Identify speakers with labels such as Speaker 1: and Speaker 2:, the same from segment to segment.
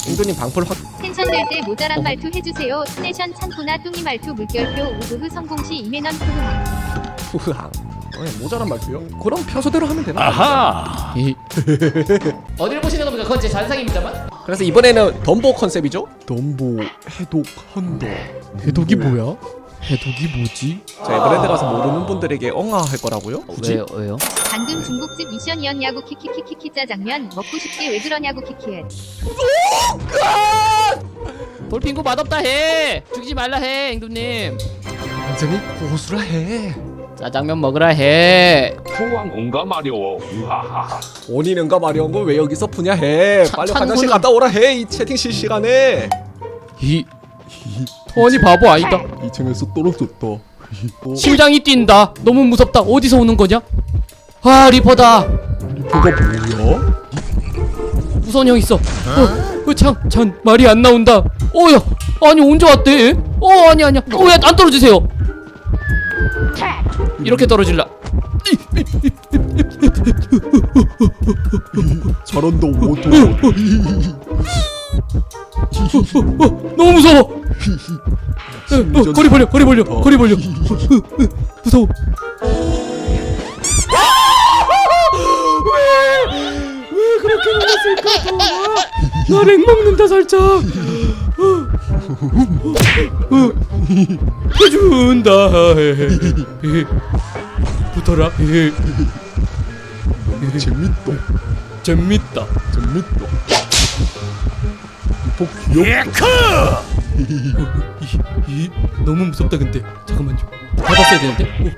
Speaker 1: 잉도님 방풀 확.
Speaker 2: 텐션 될 때 모자란 말투 해주세요. 스네션 찬구나 뚱이 말투 물결표 우흐흐 성공시 이매넌 푸흐.
Speaker 1: 후흐항. 모자란 말투요? 그럼 평소대로 하면 되나?
Speaker 3: 아하.
Speaker 4: 어디를 보시는 겁니까? 그건 제 잔상입니다만.
Speaker 1: 그래서 이번에는 덤보 컨셉이죠? 덤보 해독한다.
Speaker 5: 해독이 뭐야? 해독이 뭐지?
Speaker 1: 자, 에버랜드 가서 모르는 분들에게 엉아할 거라고요? 굳이?
Speaker 4: 왜요?
Speaker 2: 방금 중국집 미션이었냐고 키키키키키 짜장면 먹고 싶게 왜 그러냐고 키키해.
Speaker 4: 돌핑구 맛없다 해. 죽이지 말라 해, 앵두님.
Speaker 1: 완전히 고수라 해.
Speaker 4: 짜장면 먹으라 해.
Speaker 3: 포항 온가 마려워. 우하하.
Speaker 1: 본인은가 마려운 거 왜 여기서 푸냐 해. 빨리 화장실
Speaker 4: 찬구는-
Speaker 1: 갔다 오라 해. 이 채팅 실시간에.
Speaker 5: 토원이 바보 아니다.
Speaker 1: 2층에서 떨어졌다.
Speaker 4: 심장이 뛴다. 너무 무섭다. 어디서 오는 거냐? 아, 리퍼다.
Speaker 1: 그거 뭐야?
Speaker 4: 무서운 형 있어. 참 말이 안 나온다. 야, 아니 언제 왔대? 아니야. 야, 안 떨어지세요. 이렇게 떨어질라.
Speaker 1: 저런다 오도.
Speaker 4: 너무 무서워. 거리 벌려. 무서워. 왜 그렇게 놀랐을까? 나랭 먹는다 살짝. 해준다. 붙어라. 재밌다.
Speaker 1: 이폭 귀엽다.
Speaker 4: 너무 무섭다 근데. 잠깐만요. 받았어야 되는데.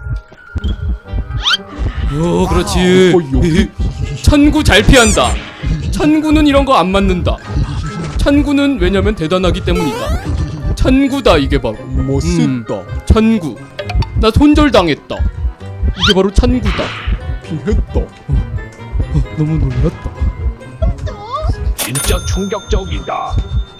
Speaker 4: 그렇지. 찬구 잘 피한다. 찬구는 이런 거 안 맞는다. 찬구는 왜냐면 대단하기 때문이다. 찬구다 이게 바로.
Speaker 1: 멋있다.
Speaker 4: 찬구. 나 손절당했다. 이게 바로 찬구다.
Speaker 1: 피했다.
Speaker 4: 너무 놀랐다.
Speaker 3: 진짜 충격적이다.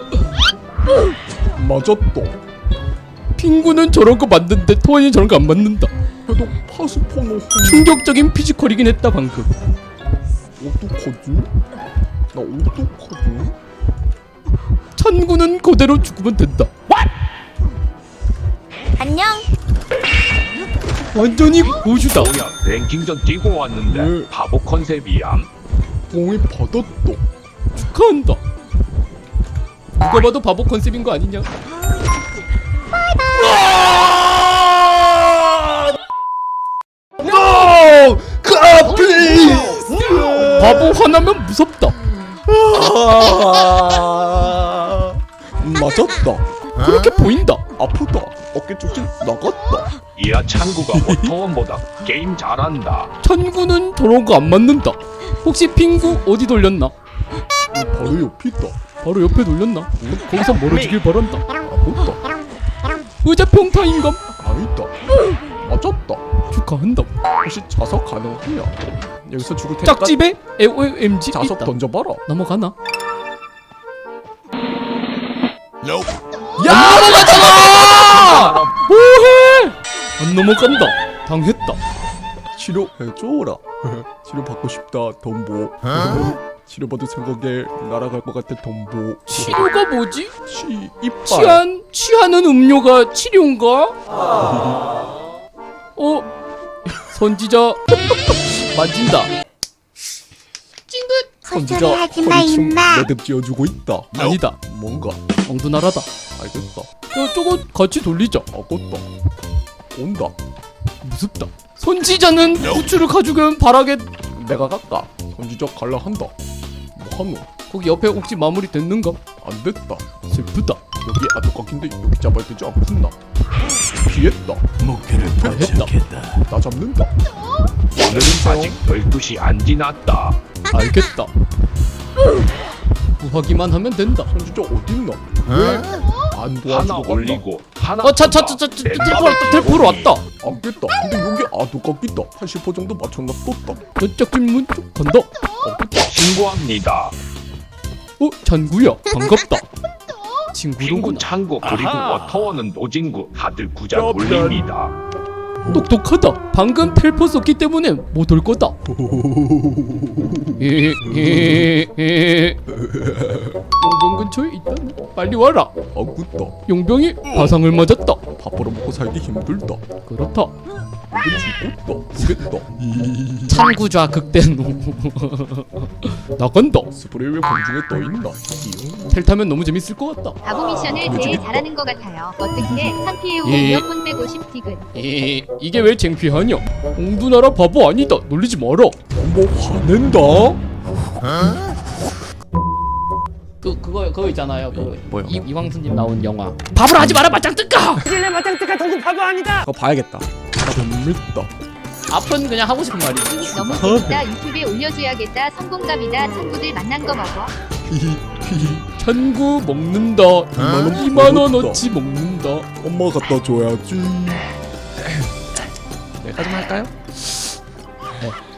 Speaker 1: 맞았다.
Speaker 4: 핑구는 저런 거 맞는데 토원이 저런 거 안 맞는다.
Speaker 1: 해독 파스포노.
Speaker 4: 충격적인 피지컬이긴 했다 방금.
Speaker 1: 어떡하지? 나 어떡하지?
Speaker 4: 찬구는 그대로 죽으면 된다.
Speaker 2: 안녕.
Speaker 4: 완전히 고수다.
Speaker 3: 뭐야 랭킹전 뛰고 왔는데
Speaker 1: 네.
Speaker 3: 바보 컨셉이야.
Speaker 1: 봉이 받았다.
Speaker 4: 축하한다. 누가 봐도 바보 컨셉인 거 아니냐?
Speaker 1: No! God, please!
Speaker 4: 바보 화나면 무섭다.
Speaker 1: 맞았다.
Speaker 4: 그렇게 보인다.
Speaker 1: 아프다. 어깨 쪽지 나갔다.
Speaker 3: 이야 찬구가 워터원보다 게임 잘한다.
Speaker 4: 찬구는 저런 거 안 맞는다. 혹시 핑구 어디 돌렸나?
Speaker 1: 바로 옆이다.
Speaker 4: 바로 옆에 돌렸나? 거기서 멀어지길 바란다.
Speaker 1: 아프다.
Speaker 4: 의자 평타인감?
Speaker 1: 아니다. 맞았다.
Speaker 4: 축하한다.
Speaker 1: 혹시 자석 가능하냐? 여기서 죽을 테니까
Speaker 4: 짝집에 AOMG
Speaker 1: 자석
Speaker 4: 있다.
Speaker 1: 던져봐라.
Speaker 4: 넘어가나?
Speaker 1: 야!
Speaker 4: 넘어가잖아! 뭐해? 안 넘어간다. 당했다.
Speaker 1: 치료해줘라. 치료 받고 싶다. 덤보. 치료받을 생각에 날아갈 것 같아. 덤보.
Speaker 4: 치료가 뭐지?
Speaker 1: 이빨.
Speaker 4: 취하는 음료가 치료인가? 선지자 만진다. 찡긋.
Speaker 1: 선지자 허리춤 매듭 지어주고 있다.
Speaker 4: 아니다.
Speaker 1: 뭔가
Speaker 4: 엉두나라다.
Speaker 1: 알겠다.
Speaker 4: 저거 같이 돌리자.
Speaker 1: 아깝다. 온다.
Speaker 4: 무섭다. 선지자는 후추를 가지고 바라게.
Speaker 1: 내가 갈까? 선지자 갈라 한다. 뭐 하노?
Speaker 4: 거기 옆에 혹시 마무리 됐는가?
Speaker 1: 안 됐다.
Speaker 4: 슬프다.
Speaker 1: 여기 아토각인데 여기 잡아야 되지 않겠나? 피했다.
Speaker 3: 목표를
Speaker 4: 했다.
Speaker 1: 나 잡는다.
Speaker 3: 오늘은 아직 12시 안 지났다.
Speaker 4: 알겠다. 구하기만 하면 된다.
Speaker 1: 선지자 어딨나? 왜 안
Speaker 3: 하나
Speaker 1: 도와주고 간다?
Speaker 3: 올리고 하나
Speaker 4: 텔포로 왔다.
Speaker 1: 안겠다. 근데 여기 아토각 있다. 80% 정도 맞췄나 떴다.
Speaker 4: 저쪽 문 쪽 간다.
Speaker 3: 신고합니다.
Speaker 4: 찬구야. 반갑다.
Speaker 3: 친구
Speaker 4: 친구로구나.
Speaker 3: 창구 그리고 워터원은 노진구 다들 구자
Speaker 1: 야,
Speaker 3: 돌립니다.
Speaker 4: 똑똑하다. 방금 텔포 썼기 때문에 못 올 거다. 용병 근처에 있다네. 빨리 와라.
Speaker 1: 아구다.
Speaker 4: 용병이 화상을 맞았다.
Speaker 1: 밥 벌어먹고 살기 힘들다.
Speaker 4: 그렇다.
Speaker 1: 죽겠다. 보겠다.
Speaker 4: 찬구좌 극대노. 나간다.
Speaker 1: 스프레이 왜 공중에 떠있나?
Speaker 4: 텔 타면 너무 재밌을 것 같다.
Speaker 2: 바보 미션을 제일 잘하는 것 같아요. 어떻게 상피해오고
Speaker 4: 예.
Speaker 2: 이어폰 빼고 싶디근.
Speaker 4: 이게 왜 창피하냐? 옹두나라 바보 아니다. 놀리지 마라.
Speaker 1: 뭐 화낸다?
Speaker 4: 그거 있잖아요.
Speaker 1: 뭐요?
Speaker 4: 이광수님 나온 영화. 밥을 하지 마라 맞짱 뜰까?
Speaker 1: 그거 봐야겠다. 재밌다.
Speaker 4: 앞은 그냥 하고 싶은 말이지.
Speaker 2: 너무 재밌다. 유튜브에 올려줘야겠다. 성공감이다. 친구들 만난 거 먹어.
Speaker 4: 천구 먹는다.
Speaker 1: 2만
Speaker 4: 2만원어치 먹는다.
Speaker 1: 엄마 갖다 줘야지.
Speaker 4: 여기까지만 할까요?
Speaker 1: 네.